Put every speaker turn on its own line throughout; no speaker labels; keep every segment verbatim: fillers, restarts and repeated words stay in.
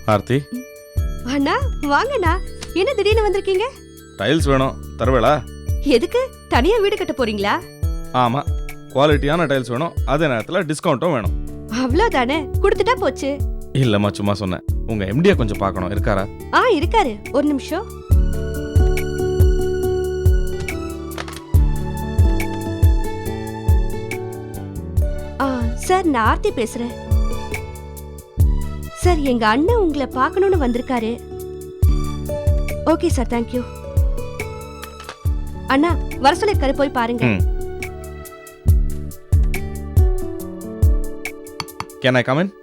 ஆர்த்தி,
அண்ணா வாங்கண்ணா. என்ன திடீர்னு வந்திருக்கீங்க?
டைல்ஸ் வேணும், தருவேளா?
எதுக்கு? தனியா வீடு கட்ட போறீங்களா?
ஆமா, குவாலிட்டியான டைல்ஸ் வேணும், அதே நேரத்தில் டிஸ்கவுண்ட்டும் வேணும்.
அவ்வளவுதானே, கொடுத்துட்டா போச்சு.
இல்லம்மா, சும்மா சொன்னேன். உங்க எம்டியை கொஞ்சம் பார்க்கணும், இருக்காரா?
ஆ இருக்காரு, ஒரு நிமிஷம். ஆ சார், நான் ஆர்த்தி பேசுறேன். சார், எங்க அண்ணன் உங்களை பார்க்கணும்னு வந்திருக்காரு. Okay sir, thank you. அண்ணா வர சொல்லிருக்காரு, போய் பாருங்க.
Can I come in?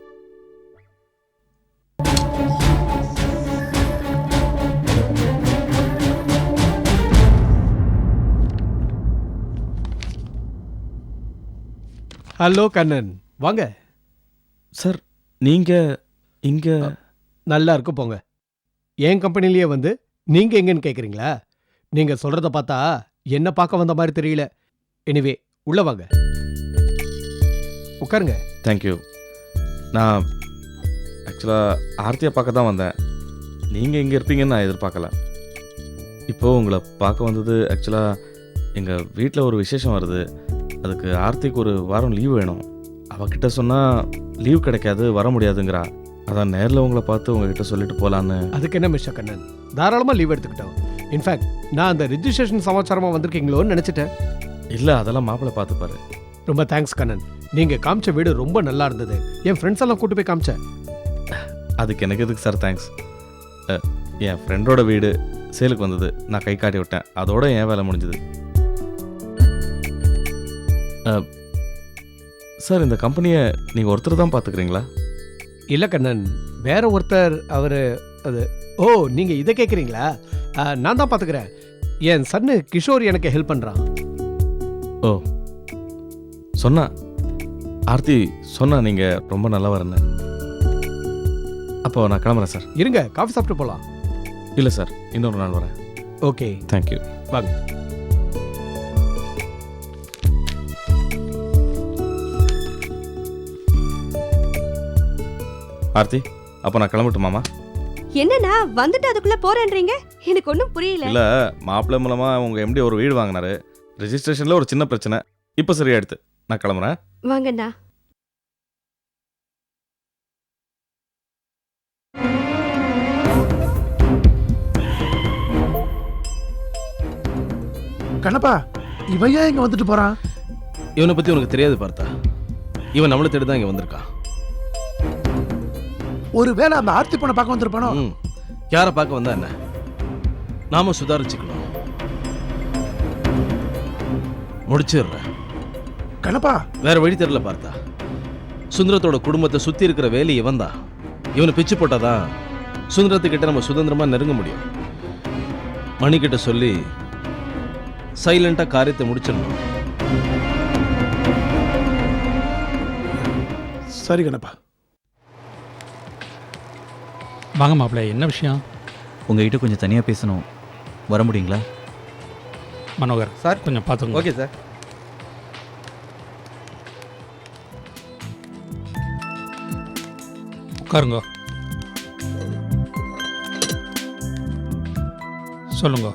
Hello Kannan, வாங்க
சார். நீங்க இங்க?
நல்லா இருக்கு, போங்க. என் கம்பெனிலேயே வந்து நீங்க எங்கன்னு கேக்குறீங்களா? நீங்க சொல்றத பார்த்தா என்ன பார்க்க வந்த மாதிரி தெரியல. எனிவே, உள்ள வாங்க, உட்காருங்க.
தேங்க்யூ. நான் ஆக்சுவலாக ஆர்த்தியை பார்க்க தான் வந்தேன். நீங்கள் இங்கே இருப்பீங்கன்னு நான் எதிர்பார்க்கல. இப்போது உங்களை பார்க்க வந்தது ஆக்சுவலாக எங்கள் வீட்டில் ஒரு விசேஷம் வருது. அதுக்கு ஆர்த்திக்கு ஒரு வாரம் லீவ் வேணும். அவகிட்ட சொன்னால் லீவ் கிடைக்காது, வர முடியாதுங்கிறா. அதான் நேரில் உங்களை பார்த்து உங்ககிட்ட சொல்லிட்டு போகலான்னு.
அதுக்கு என்ன மிஸ்டர் கண்ணன், தாராளமாக லீவ் எடுத்துக்கிட்டோம். இன்ஃபேக்ட் நான் அந்த ரிஜிஸ்ட்ரேஷன் சமாச்சாரமாக வந்திருக்கீங்களோன்னு நினச்சிட்டேன்.
இல்லை, அதெல்லாம் மாப்பிள்ளை பார்த்துப்பாரு.
ரொம்ப தேங்க்ஸ் கண்ணன். நீங்கள் காமிச்ச வீடு ரொம்ப நல்லா இருந்தது. என் ஃப்ரெண்ட்ஸ் எல்லாம் கூட்டு போய் காமிச்சேன்.
அதுக்கு எனக்கு எதுக்கு சார் தேங்க்ஸ்? என் ஃப்ரெண்டோட வீடு சேலுக்கு வந்தது, நான் கை காட்டி விட்டேன். அதோட என் வேலை முடிஞ்சது. சார், இந்த கம்பெனியை நீங்கள் ஒருத்தர் தான் பார்த்துக்கிறீங்களா?
இல்லை கண்ணன், வேற ஒருத்தர். அவர் அது ஓ நீங்கள் இதை கேட்குறீங்களா? நான் தான் பார்த்துக்கிறேன். என் சன்னு கிஷோர் எனக்கு ஹெல்ப் பண்ணுறான்.
ஓ, சொன்னா ஆர்த்தி சொன்னா நீங்கள் ரொம்ப நல்லா வரேன்னு. அப்போ நான் கிளம்புறேன் சார்.
இருங்க, காஃபி சாப்பிட்டு போகலாம்.
இல்லை சார், இன்னொரு நாள் வரேன்.
Okay,
thank you.
வாங்க.
ஆர்த்தி, அப்போ நான் கிளம்பட்டுமாமா?
என்னண்ணா வந்துட்டு அதுக்குள்ள போறேன்றீங்க? எனக்கு ஒன்றும் புரியல.
இல்லை, மாப்பிள்ளை மூலமாக உங்கள் எம்டி ஒரு வீடு வாங்கினாரு. ரெஜிஸ்ட்ரேஷனில் ஒரு சின்ன பிரச்சனை, இப்போ சரியாயிடுது. நான் கிளம்புறேன்.
வாங்கண்ணா.
கண்ணப்பா, இவன் ஏன் இங்க வந்துட்டு போறான்?
இவனை பத்தி உனக்கு தெரியாது பார்த்தா. இவன் நம்மளை தேடி தான் இங்க வந்திருக்கான்.
ஒருவேளை அந்த ஆர்த்தி பொண்ணை பார்க்க வந்திருப்பானோ?
ம், யாரை பார்க்க வந்தா என்ன? நாம சுதாரிச்சுக்கணும். முடிச்சிடுறேன்.
கண்ணப்பா,
வேற வழி தெரியல பார்த்தா. சுந்தரத்தோட குடும்பத்தை சுத்தி இருக்கிற வேலி இவன் தான். இவனை பிச்சு போட்டாதான் சுந்தரத்துக்கிட்ட நம்ம சுதந்திரமா நெருங்க முடியும். மணிக்கிட்ட சொல்லி சைலண்டா காரியத்தை முடிச்சிடணும்.
சரி கண்ணப்பா.
வாங்க மாப்பிள்ள, என்ன விஷயம்?
உங்ககிட்ட கொஞ்சம் தனியாக பேசணும், வர முடியுங்களா?
மனோகர்
சார்,
கொஞ்சம் பார்த்துங்க.
Okay sir.
உட்காருங்க. சொல்லுங்க.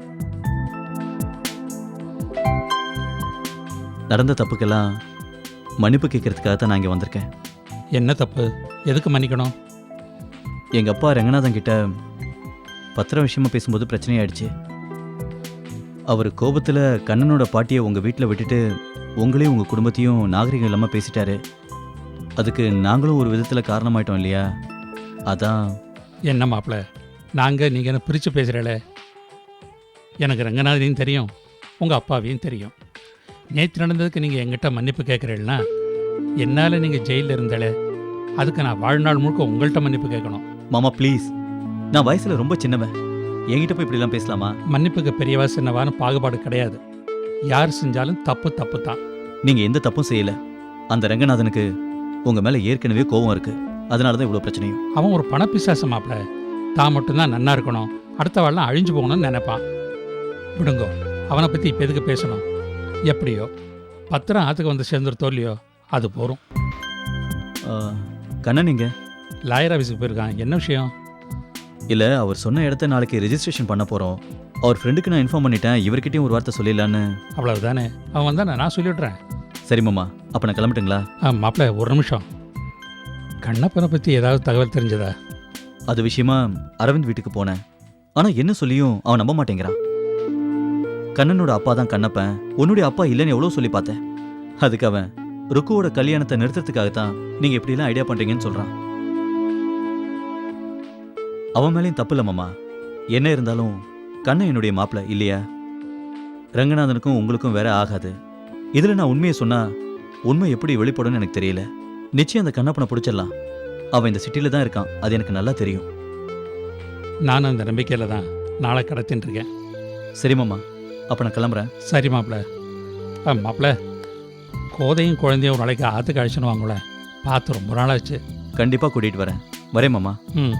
நடந்த தப்புக்கெல்லாம் மன்னிப்பு கேட்கறதுக்காக தான் நான் இங்கே வந்திருக்கேன்.
என்ன தப்பு? எதுக்கு மன்னிக்கணும்?
எங்கள் அப்பா ரங்கநாதன் கிட்ட பத்திரம் விஷயமா பேசும்போது பிரச்சனையாயிடுச்சு. அவர் கோபத்தில் கண்ணனோட பாட்டியை உங்கள் வீட்டில் விட்டுட்டு உங்களையும் உங்கள் குடும்பத்தையும் நாகரிகம் இல்லாமல் பேசிட்டாரு. அதுக்கு நாங்களும் ஒரு விதத்தில் காரணமாயிட்டோம் இல்லையா? அதான்.
என்ன மாப்பிள்ள, நாங்கள் நீங்கள் என்ன பிரித்து பேசுகிறேளே. எனக்கு ரங்கநாதனையும் தெரியும், உங்கள் அப்பாவையும் தெரியும். நேற்று நடந்ததுக்கு நீங்கள் எங்கிட்ட மன்னிப்பு கேட்குறீங்கன்னா, என்னால் நீங்கள் ஜெயிலில் இருந்தாலே அதுக்கு நான் வாழ்நாள் முழுக்க உங்கள்கிட்ட மன்னிப்பு கேட்கணும்.
மாமா ப்ளீஸ், நான் வயசில் ரொம்ப சின்னவன், என்கிட்ட போய் இப்படிலாம் பேசலாமா?
மன்னிப்புக்கு பெரியவா சின்னவான்னு பாகுபாடு கிடையாது. யார் செஞ்சாலும் தப்பு தப்பு தான்.
நீங்கள் எந்த தப்பும் செய்யலை. அந்த ரங்கநாதனுக்கு உங்கள் மேலே ஏற்கனவே கோபம் இருக்குது. அதனால தான் இவ்வளோ பிரச்சனையும்.
அவன் ஒரு பணப்பிசாசு மாப்பிள்ள. தான் மட்டும்தான் நன்னா இருக்கணும், அடுத்த வாழ்லாம் அழிஞ்சு போகணும்னு நினைப்பான். விடுங்கோ, அவனை பற்றி இப்போ எதுக்கு பேசணும்? எப்படியோ பத்திரம் ஆற்றுக்கு வந்து சேர்ந்துருத்தோ இல்லையோ, அது போகிறோம்.
கண்ணன் இங்க?
லாயர் ஆஃபீஸுக்கு போயிருக்கான். என்ன விஷயம்?
இல்லை, அவர் சொன்ன இடத்த நாளைக்கு ரெஜிஸ்ட்ரேஷன் பண்ண போகிறோம். அவர் ஃப்ரெண்டுக்கு நான் இன்ஃபார்ம் பண்ணிட்டேன். இவர்கிட்டயும் ஒரு வார்த்தை சொல்லிடலான்னு.
அவ்வளவு தானே, அவன் வந்தானே, நான் சொல்லிவிட்றேன்.
சரி மாமா, அப்போ நான் கிளம்பட்டுங்களா?
ஆ மாப்பிள்ள, ஒரு நிமிஷம். கண்ணப்பனை பற்றி ஏதாவது தகவல் தெரிஞ்சதா?
அது விஷயமா அரவிந்த் வீட்டுக்கு போனேன். ஆனால் என்ன சொல்லியும் அவன் நம்ப மாட்டேங்கிறான். கண்ணனோட அப்பா தான் கண்ணப்பன், உன்னுடைய அப்பா இல்லைன்னு எவ்வளோ சொல்லி பார்த்தேன். அதுக்கு அவன் ருக்குவோட கல்யாணத்தை நிறுத்துறதுக்காகத்தான் நீங்கள் இப்படிலாம் ஐடியா பண்ணுறீங்கன்னு சொல்கிறான். அவன் மேலேயும் தப்பு இல்லை மாமா. என்ன இருந்தாலும் கண்ணன் என்னுடைய மாப்பிள்ளை இல்லையா? ரங்கநாதனுக்கும் உங்களுக்கும் வேற ஆகாது. இதில் நான் உண்மையை சொன்னால் உண்மை எப்படி வெளிப்படும்னு எனக்கு தெரியல. நிச்சயம் அந்த கண்ணப்பனை பிடிச்சிடலாம். அவன் இந்த சிட்டியில் தான் இருக்கான், அது எனக்கு நல்லா தெரியும்.
நானும் அந்த நம்பிக்கையில் தான் நாளை கடத்தின்னு இருக்கேன்.
சரி மாமா, அப்போ நான் கிளம்புறேன்.
சரி மாப்பிள்ள. ஆ மாப்பிள்ள, கோதையும் குழந்தையும் ஒரு நாளைக்கு ஆற்றுக்கு அழைச்சின்னு வாங்கல. பார்த்து ரொம்ப நாளாச்சு.
கண்டிப்பாக கூட்டிகிட்டு வரேன். வரேன் மாமா.
ம்.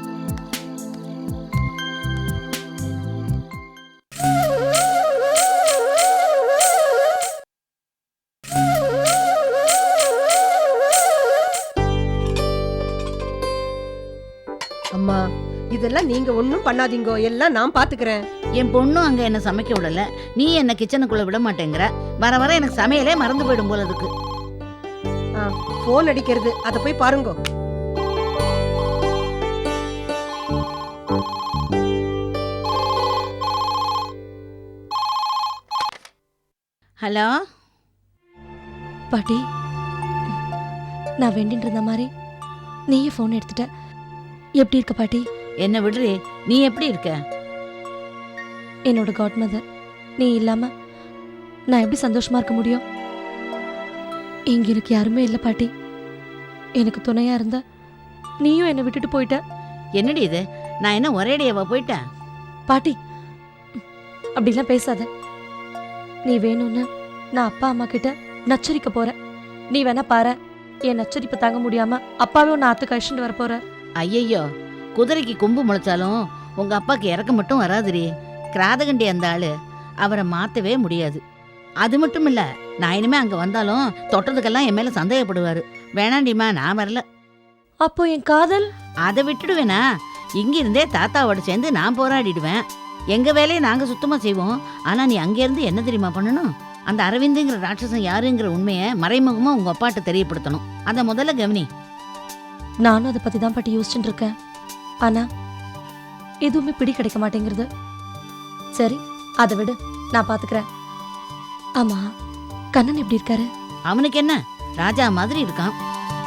அம்மா, இதெல்லாம் நீங்க ஒண்ணும் பண்ணாதீங்கோ, எல்லாம் நான் பாத்துக்கிறேன்.
என் பொண்ணும் அங்க என்ன சமைக்க விடல, நீ என்ன கிச்சனுக்குள்ள விட மாட்டேங்கிற. வர வர எனக்கு சமையலே மறந்து போயிடும் போல இருக்கு.
போன் அடிக்கிறது, அத போய் பாருங்கோ.
ஹலோ
பாட்டி, நான் வேண்டிட்டு இருந்த மாதிரி நீயே ஃபோன் எடுத்துட்ட. எப்படி இருக்க பாட்டி?
என்ன விடுறி, நீ எப்படி இருக்க?
என்னோட காட் மதர், நீ இல்லாம நான் எப்படி சந்தோஷமா இருக்க முடியும்? இங்க எனக்கு யாருமே இல்லை பாட்டி. எனக்கு துணையா இருந்த நீயும் என்னை விட்டுட்டு போயிட்ட.
என்னடி இது, நான் என்ன ஒரேடியாவா போயிட்டேன்?
பாட்டி, அப்படிலாம் பேசாத. நீ வேணும்னு நான் அப்பா அம்மா கிட்ட நச்சரிக்க போறேன். நீ வேணா பாரு, என் நச்சரிப்பு தாங்க முடியாம அப்பாவே உன்னை ஆத்து கழிச்சுட்டு வர போற.
ஐயையோ, குதிரைக்கு கொம்பு முளைச்சாலும் உங்க அப்பாக்கு இறக்க மட்டும் வராதுரி. கிராதகண்டி அந்த ஆளு, அவரை மாத்தவே முடியாது. அது மட்டும் இல்ல, நான் இனிமே அங்க வந்தாலும் தொட்டதுக்கெல்லாம் என் மேல சந்தேகப்படுவாரு. வேணாண்டிமா, நான் வரல.
அப்போ என் காதல்
அதை விட்டுடுவேனா? இங்க இருந்தே தாத்தாவோட சேர்ந்து நான் போராடிடுவேன். எங்க வேலையை நாங்க சுத்தமா செய்வோம். ஆனா நீ அங்க இருந்து என்ன தெரியுமா பண்ணணும்? அந்த அரவிந்துங்கிற ராட்சசன் யாருங்கிற உண்மையை மறைமுகமா உங்க அப்பாட்ட தெரியப்படுத்தணும். அத முதல்ல கவனி.
நானும் அதை பத்தி தான் பாட்டி யோசிச்சுட்டு இருக்கேன். ஆனா எதுவுமே பிடி கிடைக்க மாட்டேங்கிறது. சரி, அதை விடு, நான் பாத்துக்கிறேன். ஆமா, கண்ணன் எப்படி இருக்காரு?
அவனுக்கு என்ன, ராஜா மாதிரி இருக்கான்.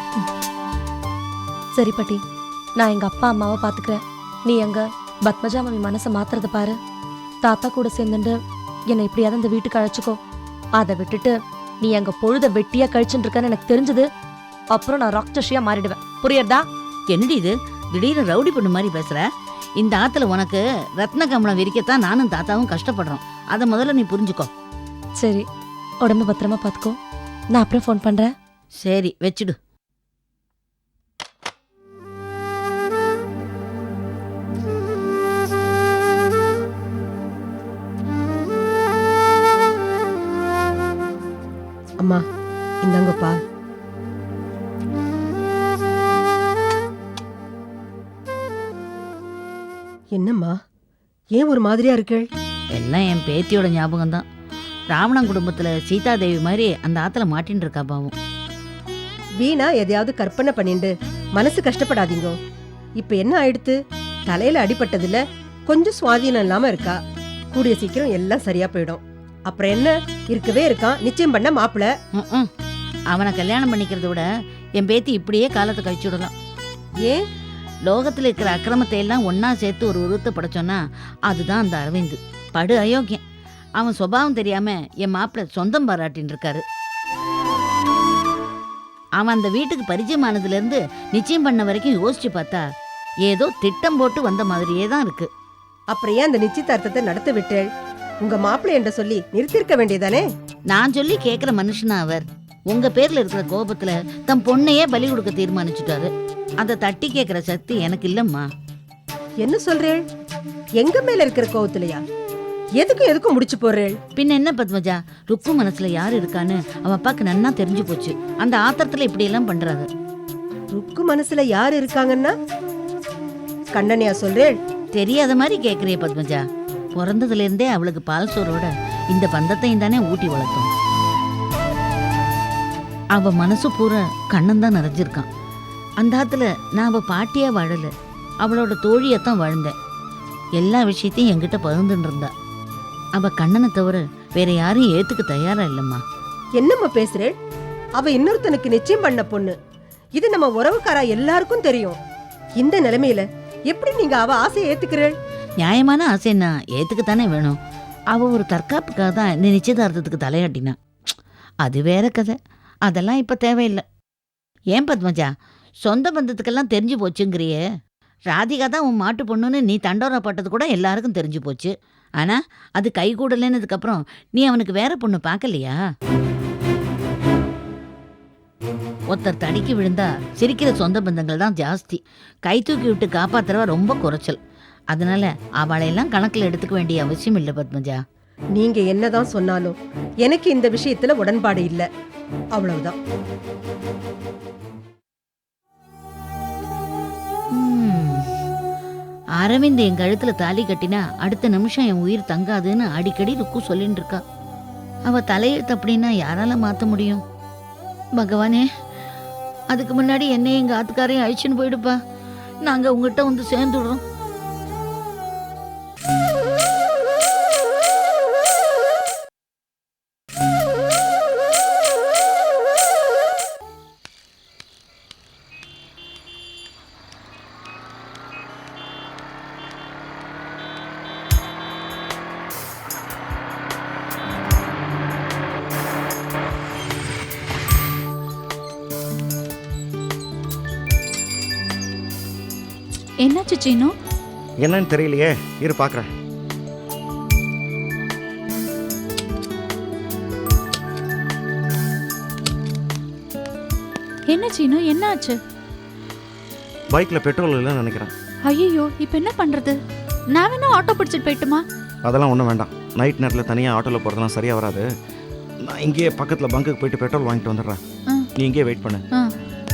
சரி பாட்டி, நான் எங்க அப்பா அம்மாவை பாத்துக்கிறேன். நீ எங்க பத்மஜா மாமி மனசை மாத்துறத பாரு. தாத்தா கூட சேர்ந்துட்டு என்னை இப்படியாவது இந்த வீட்டுக்கு அழைச்சிக்கோ. அதை விட்டுட்டு நீ எங்க பொழுத வெட்டியா கழிச்சுட்டு இருக்கன்னு எனக்கு தெரிஞ்சது, அப்புறம் நான் ராக்ஷசியா மாறிடுவேன். புரியுறதா?
என்னடி இது, திடீர்னு ரவுடி பொண்ணு மாதிரி பேசுற? இந்த ஆத்துல உனக்கு ரத்ன கமலம் விரிக்கத்தான் நானும் தாத்தாவும் கஷ்டப்படுறோம். அதை முதல்ல நீ புரிஞ்சுக்கோ.
சரி, உடம்பு பத்திரமா பாத்துக்கோ. நான் அப்புறம் ஃபோன் பண்றேன்.
சரி, வச்சுடு.
அம்மா, இந்தாங்க பால். என்னம்மா, ஏன் ஒரு மாதிரியா இருக்கு?
எல்லாம் என் பேத்தியோட ஞாபகம் தான். ராவணன் குடும்பத்துல சீதாதேவி மாதிரி அந்த ஆத்துல மாட்டின்னு இருக்கா பாவம்.
வீணா எதையாவது கற்பனை பண்ணிண்டு மனசு கஷ்டப்படாதீங்க. இப்ப என்ன ஆயிடுத்து? தலையில அடிபட்டதுல கொஞ்சம் சுவாதீனம் இல்லாம இருக்கா. கூடிய சீக்கிரம் எல்லாம் சரியா போயிடும். அப்புறம் என்ன, இருக்கவே இருக்கான் நிச்சயம் பண்ண மாப்பிள.
ம்ம். அவனை கல்யாணம் பண்ணிக்கிறத விட என் பேத்தி இப்படியே காலத்தை கழிச்சு விடலாம்.
ஏன்?
லோகத்துல இருக்கிற அக்கிரமத்தை எல்லாம் ஒன்னா சேர்த்து ஒரு உருவத்தை படைச்சோன்னா அதுதான் அந்த அரவிந்த். படு அயோக்கியம். அவன் சுபாவம் தெரியாம என் மாப்பிள்ள சொந்தம் பாராட்டின்னு இருக்காரு. அவன் அந்த வீட்டுக்கு பரிச்சயமானதுல இருந்து நிச்சயம் பண்ண வரைக்கும் யோசிச்சு பார்த்தா ஏதோ திட்டம் போட்டு வந்த மாதிரியே தான் இருக்கு.
அப்புறம் ஏன் அந்த நிச்சயதார்த்தத்தை நடத்த விட்டேள்? உங்க மாப்பிள்ளை என்ற சொல்லி நிறுத்திருக்க வேண்டியதானே?
நான் சொல்லி கேக்குற மனுஷனா அவர்? உங்க பேர்ல இருக்கிற கோபத்துல தம் பொண்ணையே பலி கொடுக்க தீர்மானிச்சுட்டாரு. அதை தட்டி கேக்குற சக்தி எனக்கு இல்லம்மா.
என்ன சொல்றேள்? எங்க மேல இருக்கிற கோவத்திலையா? எதுக்கும் எதுக்கும் முடிச்சு போறேள்?
பின்ன என்ன பத்மஜா, ருக்கு மனசுல யாரு இருக்கான்னு அவன் அப்பாக்கு நன்னா தெரிஞ்சு போச்சு. அந்த ஆத்திரத்துல இப்படி எல்லாம் பண்றாரு.
ருக்கு மனசுல யார் இருக்காங்கன்னா கண்ணனையா சொல்றேன்?
தெரியாத மாதிரி கேட்குறிய பத்மஜா. பிறந்ததுல இருந்தே அவளுக்கு பால் சோறோட இந்த பந்தத்தையும் தானே ஊட்டி வளர்த்தோம். அவ மனசு பூரா கண்ணன் தான் நிறைஞ்சிருக்கான். அந்த ஆத்துல நான் அவ பாட்டியா வாழல, அவளோட தோழியத்தான் வாழ்ந்தேன். எல்லா விஷயத்தையும் என்கிட்ட பகிர்ந்துட்டு இருந்தா. அவ கண்ணனை தவிர வேற யாரையும் ஏத்துக்க தயாரா இல்லம்மா.
என்னம்மா பேசுறேன்? அவ இன்னொருத்தனுக்கு நிச்சயம் பண்ண பொண்ணு. இது நம்ம உறவுக்காரா எல்லாருக்கும் தெரியும். இந்த நிலைமையில எப்படி நீங்க அவ ஆசையை ஏத்துக்கிறேள்?
நியாயமான ஆசைன்னா ஏத்துக்கத்தானே வேணும். அவ ஒரு தற்காப்புக்காக தான் இந்த நிச்சயதார்த்தத்துக்கு தலையாட்டினா. அது வேற கதை. அதெல்லாம் இப்ப தேவையில்லை. ஏன் பத்மஜா, சொந்த பந்தத்துக்கெல்லாம் தெரிஞ்சு போச்சுங்கிறியே. ராதிகா தான் உன் மாட்டு பொண்ணுன்னு நீ தண்டோரப்பட்டது கூட எல்லாருக்கும் தெரிஞ்சு போச்சு. ஆனா அது கை கூடலன்னதுக்கு அப்புறம் நீ அவனுக்கு வேற பொண்ணு பார்க்கலையா? ஒருத்தர் தடிக்கு விழுந்தா சிரிக்கிற சொந்த பந்தங்கள் தான் ஜாஸ்தி. கை தூக்கி விட்டு காப்பாத்துறவ ரொம்ப குறைச்சல். அதனால அவளையெல்லாம் கணக்கில் எடுத்துக்க வேண்டிய அவசியம் இல்லை பத்மஜா.
நீங்க என்னதான் சொன்னாலும் எனக்கு இந்த விஷயத்துல உடன்பாடு இல்ல. அவ்வளவுதான்.
ம். அரவிந்த் என் கழுத்துல தாலி கட்டினா அடுத்த நிமிஷம் என் உயிர் தங்காதுன்னு அடிக்கடி ருக்கு சொல்லிட்டு இருக்கா. அவ தலையெழுத்து அப்படின்னா யாரால மாத்த முடியும்? பகவானே, அதுக்கு முன்னாடி என்னையும் எங்க ஆத்துக்காரையும் அழிச்சுன்னு போயிடுப்பா. நாங்க உங்ககிட்ட வந்து சேர்ந்துடுறோம்.
என்னாச்சு சீனு?
என்னன்னு தெரியலையே, இரு பார்க்குறேன்.
என்ன சீனு, என்ன ஆச்சு?
பைக்கில் பெட்ரோல் இல்லைன்னு நினைக்கிறேன்.
ஐயோ, இப்போ என்ன பண்றது? நான் வேணா ஆட்டோ பிடிச்சிட்டு போயிட்டுமா?
அதெல்லாம் ஒன்றும் வேண்டாம். நைட் நேரத்தில் தனியாக ஆட்டோவில் போகிறதுலாம் சரியாக வராது. நான் இங்கேயே பக்கத்தில் பங்குக்கு போயிட்டு பெட்ரோல் வாங்கிட்டு வந்துடுறேன்.
ஆ.
நீ இங்கேயே வெயிட் பண்ணு.
ஆ.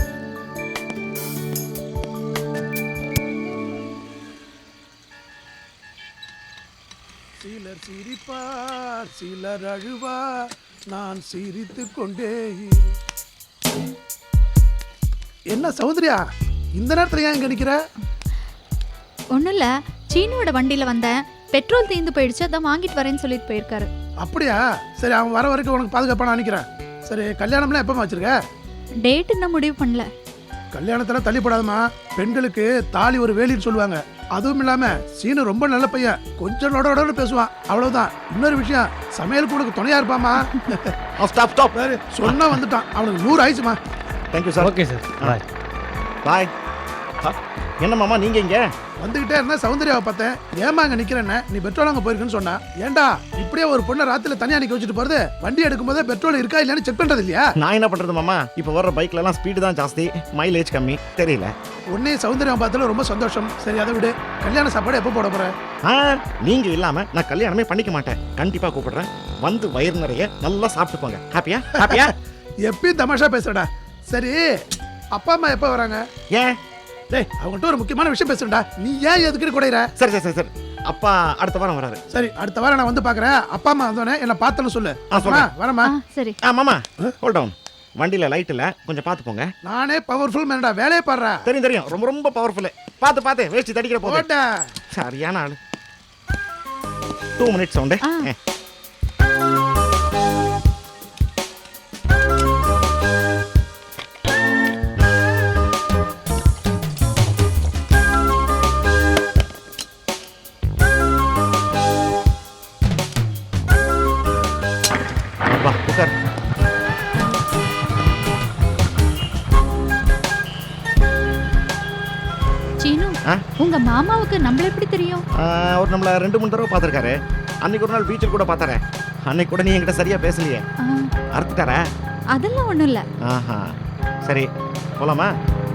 சிலர் சிரிப்பார், சிலர் அழுவார், நான் சிரித்து கொண்டே இரு. என்ன சௌந்தர்யா, இந்த நேரத்துல ஏன் இங்க நிக்கிற?
ஒன்றும் இல்லை, சீனுவோட வண்டியில் வந்தேன். பெட்ரோல் தீர்ந்து போயிடுச்சு, அதான் வாங்கிட்டு வரேன்னு சொல்லிட்டு போயிருக்காரு.
அப்படியா? சரி, அவன் வர வரைக்கும் உனக்கு பாதுகாப்பா நான் நினைக்கிறேன். சரி, கல்யாணம்லாம் எப்பமா வச்சிருக்க?
டேட் இன்னும் முடிவு பண்ணல.
கல்யாணத்துல தள்ளி போடாதமா. பெண்களுக்கு தாலி ஒரு வேலின்னு சொல்லுவாங்க. அதுவும் இல்லாம சீனு ரொம்ப நல்ல பையன், கொஞ்சம் நொடனு பேசுவான், அவ்வளவுதான். இன்னொரு விஷயம், சமையல் கூட துணையா இருப்பாமா.
Stop stop.
சொன்னா வந்துட்டான், அவனுக்கு நூறு ஆயிடுச்சுமா.
Thank you sir.
Okay sir, bye.
Bye. என்ன மாமா நீங்க இங்க
வந்துகிட்டே இருந்தா சௌந்தர்யாவை பார்த்தேன். ஏமா அங்க நிக்கிறேன்னு, நீ பெட்ரோல் அங்க போயிருக்குன்னு சொன்னா. ஏண்டா இப்படியே ஒரு பொண்ணை ராத்திரில தனியா நிக்க வச்சுட்டு போறது? வண்டி எடுக்கும் போதே பெட்ரோல் இருக்கா இல்லையான்னு செக் பண்றது இல்லையா?
நான் என்ன பண்றது மாமா, இப்போ வர்ற பைக்ல எல்லாம் ஸ்பீடு தான் ஜாஸ்தி, மைலேஜ் கம்மி. தெரியல.
உன்னையும் சௌந்தர்யாவை பார்த்ததுல ரொம்ப சந்தோஷம். சரி, அதை விடு. கல்யாண சாப்பாடு எப்போ போட போற?
ஆ, நீங்க இல்லாம நான் கல்யாணமே பண்ணிக்க மாட்டேன். கண்டிப்பா கூப்பிடுறேன். வந்து வயிறு நிறைய நல்லா சாப்பிட்டு போங்க. ஹாப்பியா? ஹாப்பியா?
எப்பயும் தமாஷா பேசுறடா. சரி, அப்பா அம்மா எப்போ வராங்க?
ஏன்?
டேய், அவங்கள்ட்ட ஒரு முக்கியமான விஷயம் பேசுறேன்டா. நீ ஏன் எதுக்கு குடையிற?
சரி சரி சரி சரி. அப்பா அடுத்த வாரம் வராரு.
சரி, அடுத்த வாரம் நான் வந்து பாக்குறேன். அப்பா அம்மா வந்தோடனே என்ன பார்த்தேன்னு சொல்லு.
ஆ, சொல்றேன்.
வரமா?
ஆ, சரி.
ஆ மாமா, ஹோல்ட் டவுன். வண்டியில லைட் இல்ல, கொஞ்சம் பார்த்து போங்க.
நானே பவர்ஃபுல் மேனடா, வேலையே பாடுறா.
தெரியும் தெரியும், ரொம்ப ரொம்ப பவர்ஃபுல். பார்த்து பார்த்து வேஸ்ட் தடிக்கிற போது.
போடா.
சரியான ஆளு. Two minutes sound.
ஆ.
வா உட்கார்.
சீனு,
ஆ?
உங்க மாமாவுக்கு நம்மள எப்படி தெரியும்?
ஆ, அவர் நம்மள ரெண்டு மூணு தடவை பார்த்துருக்காரு. அன்னைக்கு ஒரு நாள் பீச்சில் கூட பார்த்தாரு. அன்னைக்கு கூட நீ என்கிட்ட சரியா பேசலையே.
ஆ,
அறுத்துட்டாரா?
அதெல்லாம் ஒண்ணும் இல்ல.
ஆஹா, சரி போலாமா?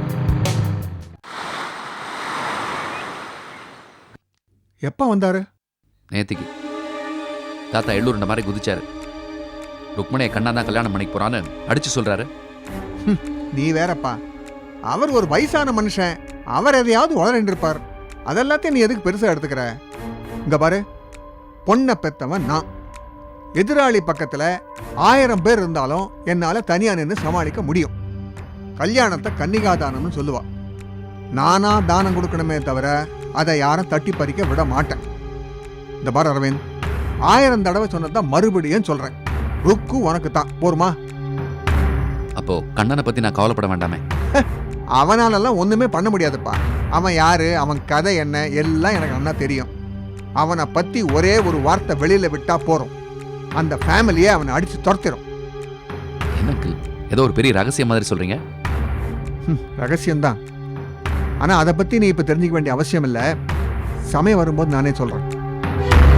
எப்போ வந்தாரு?
நேத்திக்கு தாத்தா எள்ளூருண்ட மாதிரி குதிச்சாரு. ருக்மணியை கண்ணா தான் கல்யாணம் பண்ணிக்க போறான்னு அடிச்சு சொல்றாரு.
நீ வேறப்பா, அவர் ஒரு வயசான மனுஷன், அவர் எதையாவது உளறிட்டு இருப்பார். அதெல்லாத்தையும் நீ எதுக்கு பெருசா எடுத்துக்கிற? இங்க பாரு, பொண்ணை பெத்தவன் நான். எதிராளி பக்கத்துல ஆயிரம் பேர் இருந்தாலும் என்னால தனியா நின்று சமாளிக்க முடியும். கல்யாணத்தை கன்னிகாதானம்னு சொல்லுவா. நானா தானம் கொடுக்கணுமே தவிர அதை யாரும் தட்டி பறிக்க விட மாட்டேன். இந்த பாரு அரவிந்த், ஆயிரம் தடவை சொன்னதான் மறுபடியும் சொல்றேன், ருக்கு உனக்கு தான். போருமா?
அப்போ கண்ணனை பத்தி நான் கவலைப்பட வேண்டாமே?
அவனாலெல்லாம் ஒண்ணுமே பண்ண முடியாதுப்பா. அவன் யாரு, அவன் கதை என்ன, எல்லாம் எனக்கு நல்லா தெரியும். அவனை பத்தி ஒரே ஒரு வார்த்தை வெளியில விட்டா போறோம், அந்த ஃபேமிலியை அவனை அடிச்சு துரத்திடும்.
எனக்கு ஏதோ ஒரு பெரிய ரகசியம் மாதிரி சொல்றீங்க.
ரகசியம்தான், ஆனா அதை பத்தி நீ இப்ப தெரிஞ்சுக்க வேண்டிய அவசியம் இல்லை. சமயம் வரும்போது நானே சொல்றேன்.